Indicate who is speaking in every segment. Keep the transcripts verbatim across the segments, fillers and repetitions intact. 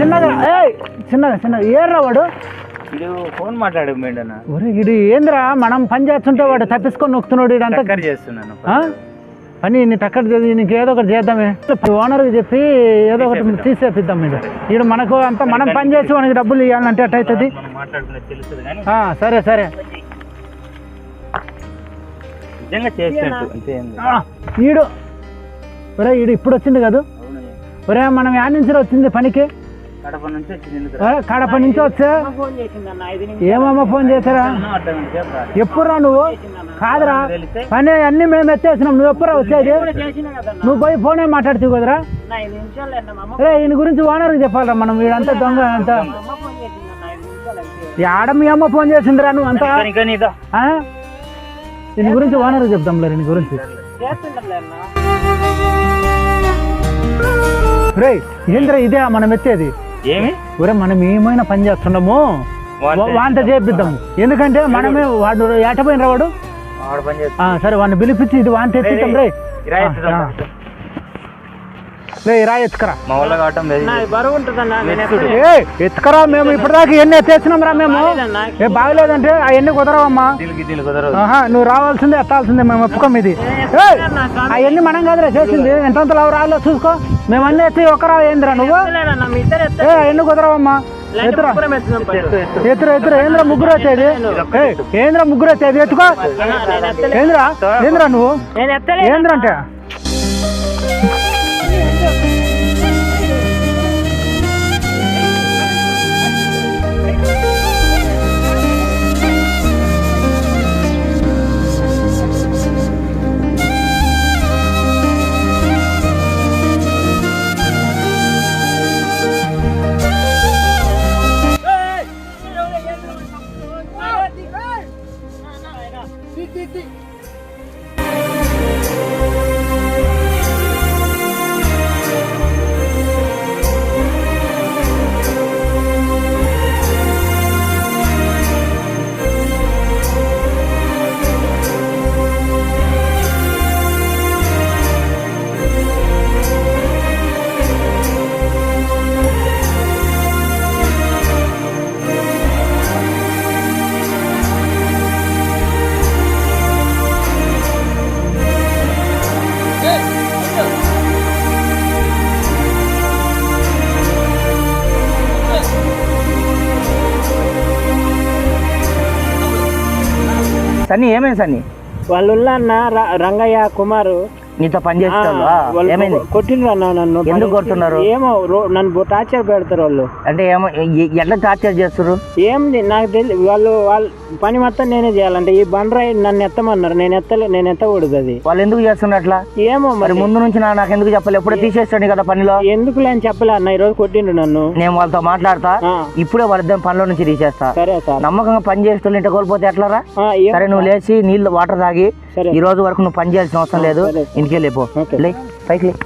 Speaker 1: చిన్నగా ఏ చిన్నగా చిన్నగా ఏర్రా వాడు
Speaker 2: ఇది ఫోన్ మాట్లాడు మేడనా
Speaker 1: ఒరే ఇది ఏందిరా మనం పని చేస్తుంటే వాడు తప్పించుకొని నొక్కుతున్నాడు ఇడంతా
Speaker 2: చేస్తున్నాను
Speaker 1: పని నీ టక్కర్ నీకు ఏదో ఒకటి చేద్దామే ఓనర్కి చెప్పి ఏదో ఒకటి తీసేపిద్దాం మీరు ఈడు మనకు అంతా మనం పని చేసి మనకి డబ్బులు ఇవ్వాలంటే అట్ట అవుతుంది సరే సరే ఈడు ఒరే ఈడు ఇప్పుడు వచ్చింది కదా ఒరే మనం యాడ్ నుంచి వచ్చింది పనికి కడప నుంచి వచ్చా ఏమమ్మా ఫోన్ చేశారా ఎప్పుడురా నువ్వు కాదురా పని అన్ని మేము ఎత్తేసినాం నువ్వు ఎప్పుడురా వచ్చేది నువ్వు పోయి ఫోనే మాట్లాడుతావు కదరా రే ఈయన గురించి ఓనర్కి చెప్పాలరా మనం వీడంతా దొంగ అంతా ఆడ మీ అమ్మ ఫోన్ చేసిందిరా నువ్వు అంతా దీని గురించి ఓనర్కి చెప్దాంలే దీని గురించి రే ఏంద్రా ఇదే మనం ఎత్తేది
Speaker 2: ఏమి
Speaker 1: ఒరే మనం ఏమైనా పని చేస్తున్నాము వాంట చేపిద్దాము ఎందుకంటే మనమే వాడు ఏటపోయిన వాడు సరే వాడిని పిలిపించి ఇది వాంట ఎత్తిద్దాం రే రే రా ఎత్తుకరా ఎత్తుకరా మేము ఇప్పటిదాకా ఎన్ని ఎత్తేసినాం రా మేము ఏ బాగలేదంటే అవన్నీ కుదరవమ్మా నువ్వు రావాల్సిందే ఎత్తాల్సిందే మేము ఒప్పుకోం ఇది అవన్నీ మనం కాదురా చేసింది ఎంతంత లావు రాలో చూసుకో మేము అన్నీ ఎత్తి ఒకరా ఏందిరా నువ్వు ఏ అవన్నీ కుదరవమ్మా ఎత్తురా ఎత్తురా ఎత్తురా ఏంద్రా ముగ్గురు వచ్చేది ఏంద్రా ముగ్గురు వచ్చేది ఎత్తుకో ఏంద్రా ఏంద్రా నువ్వు ఏంద్రా అంటే
Speaker 2: సన్నీ ఏమైంది సన్నీ
Speaker 3: వాళ్ళు అన్న రంగయ్య కుమారు
Speaker 2: నీతో పని చేస్తారు
Speaker 3: కొట్టిండ్రు అన్న నన్ను
Speaker 2: ఎందుకు కొడుతున్నారు
Speaker 3: ఏమో నన్ను టార్చర్ పెడతారు వాళ్ళు
Speaker 2: అంటే ఏమో ఎట్లా టార్చర్ చేస్తారు
Speaker 3: ఏం నాకు తెలియదు వాళ్ళు వాళ్ళు పని మొత్తం నేనే చేయాలంటే ఈ బండరాయి నన్ను ఎత్తమన్నారు నేను ఎత్తలే నేను ఎత్తకూడదు అది
Speaker 2: వాళ్ళు ఎందుకు చేస్తున్నారు అట్లా
Speaker 3: ఏమో
Speaker 2: మరి ముందు నుంచి నాకు ఎందుకు చెప్పాలి ఎప్పుడో తీసేస్తాడు కదా పనిలో
Speaker 3: ఎందుకు లేని చెప్పలే అన్న ఈ రోజు కొట్టిండు నన్ను
Speaker 2: నేను వాళ్ళతో మాట్లాడతా ఇప్పుడే వాళ్ళిద్దరు పనిలో నుంచి తీసేస్తా
Speaker 3: సరే సార్
Speaker 2: నమ్మకంగా పని చేస్తూ ఇంట కోల్పోతే ఎట్లారా సరే నువ్వు లేచి నీళ్ళు వాటర్ తాగి ఈ రోజు వరకు నువ్వు పని చేయాల్సిన అవసరం లేదు ఇంటికి వెళ్ళిపో లే పైకి లే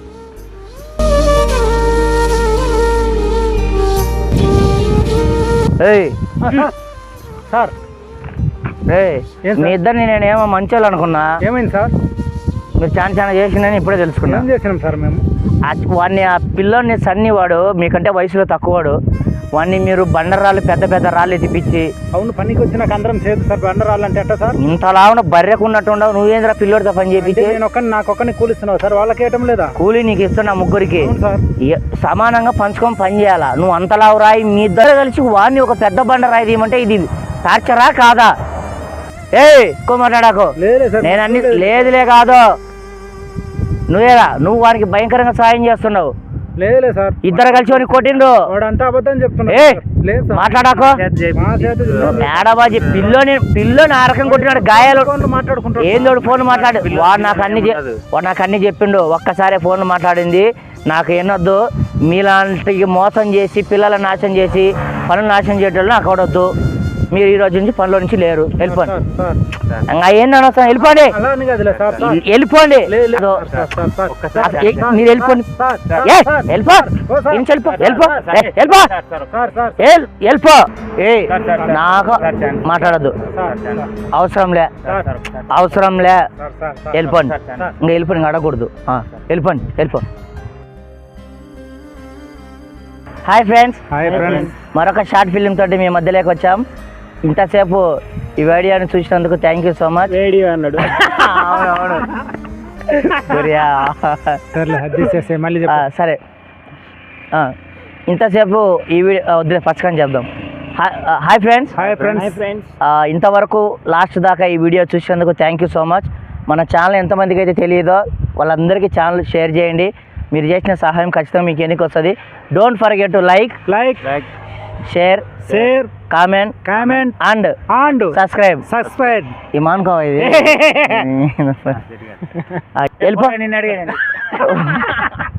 Speaker 1: సార్
Speaker 2: మీ ఇద్దరిని నేను ఏమో మంచోళ్ళు అనుకున్నా
Speaker 1: ఏమైంది సార్
Speaker 2: మీరు చాలా చాలా చేసిందని ఇప్పుడే తెలుసుకున్నా
Speaker 1: చేసినాం సార్ మేము
Speaker 2: వాడిని ఆ పిల్లోని సన్ని వాడు మీకంటే వయసులో తక్కువవాడు వాడిని మీరు బండరాళ్ళు పెద్ద పెద్ద రాళ్ళు ఎత్తిపించి
Speaker 1: అవును పనికి వచ్చినాక అందరం చేదు సార్ బండరాళ్ళు అంటే ఎట్ట సార్
Speaker 2: ఇంతలాగా బర్రెకున్నట్టు ఉండవు నువ్వేంద్రా పిల్లోడితో పని చేపించి
Speaker 1: నేను ఒక్కని నాకు ఒక్కని కూలిస్తున్నావు సార్ వాళ్ళకి వేయటం లేదా
Speaker 2: కూలీ నీకు ఇస్తున్నా ముగ్గురికి సమానంగా పంచుకొని పని చేయాలా నువ్వు అంతలావు రాయి మీ ఇద్దరు కలిసి వాడిని ఒక పెద్ద బండ రాయి తీయమంటే ఇది టార్చరా కాదా ఏ ఎక్కువ మాట్లాడాకు నేను అన్ని లేదులే కాదు నువ్వేరా నువ్వు వానికి భయంకరంగా సాయం చేస్తున్నావు
Speaker 1: లేదులే సార్
Speaker 2: ఇద్దరు కలిసి వాడిని కొట్టిండు
Speaker 1: వాడంతా అబద్ధం చెప్తున్నా
Speaker 2: మాట్లాడాకో మేడబాజీ పిల్లోని పిల్లోని ఆ రకం కొట్టినాడు గాయాలు
Speaker 1: మాట్లాడుకుంటా
Speaker 2: ఏందోడు ఫోన్ మాట్లాడు వాడు నాకు అన్ని వాడు నాకు అన్ని చెప్పిండు ఒక్కసారి ఫోన్ మాట్లాడింది నాకు ఎన్నొద్దు మీలాంటి మోసం చేసి పిల్లలను నాశనం చేసి పనులు నాశనం చేయటం నాకు అవడొద్దు మీరు ఈ రోజు నుంచి పనిలో నుంచి లేరు వెళ్ళిపోండి ఇంకా ఏంది అనవసరం వెళ్ళిపోండి వెళ్ళిపోండి మీరు వెళ్ళిపోండి వెళ్ళిపో ఇంచి వెళ్ళిపో వెళ్ళిపో వెళ్ళిపో వెళ్ళిపో ఏ నాకు మాట్లాడద్దు అవసరంలే అవసరంలే వెళ్ళిపోండి ఇంకా వెళ్ళిపోండి ఇంకా అడగకూడదు వెళ్ళిపోండి వెళ్ళిపో హాయ్ ఫ్రెండ్స్,
Speaker 1: హాయ్ ఫ్రెండ్స్.
Speaker 2: మరొక షార్ట్ ఫిలిం తోటి మీ మధ్యలోకి వచ్చాం. ఇంతసేపు ఈ వీడియోని చూసినందుకు thank you so much.
Speaker 3: Radio అన్నాడు.
Speaker 2: అవునవును
Speaker 1: సర్లే అది చేసే మళ్ళీ
Speaker 2: ఆ, సరే ఆ, ఇంతసేపు ఈ వీడియో వద్దులే పచ్చకని చెప్దాం. Hi hi friends.
Speaker 1: Hi
Speaker 3: hi
Speaker 1: friends.
Speaker 3: Friends.
Speaker 2: ఆ, ఇంతవరకు లాస్ట్ దాకా ఈ వీడియో చూసినందుకు థ్యాంక్ యూ సో మచ్. మన ఛానల్ ఎంతమందికి అయితే తెలియదో వాళ్ళందరికీ ఛానల్ షేర్ చేయండి. మీరు చేసిన సహాయం ఖచ్చితంగా మీకు ఎన్నికి వస్తుంది. Don't forget to like
Speaker 1: like
Speaker 2: share
Speaker 1: share
Speaker 2: comment
Speaker 1: comment
Speaker 2: and
Speaker 1: and
Speaker 2: subscribe.
Speaker 1: Subscribe.
Speaker 2: ఇమాన్ కో ఇది వెళ్ళిపో.
Speaker 3: నిన్ను అడిగాను.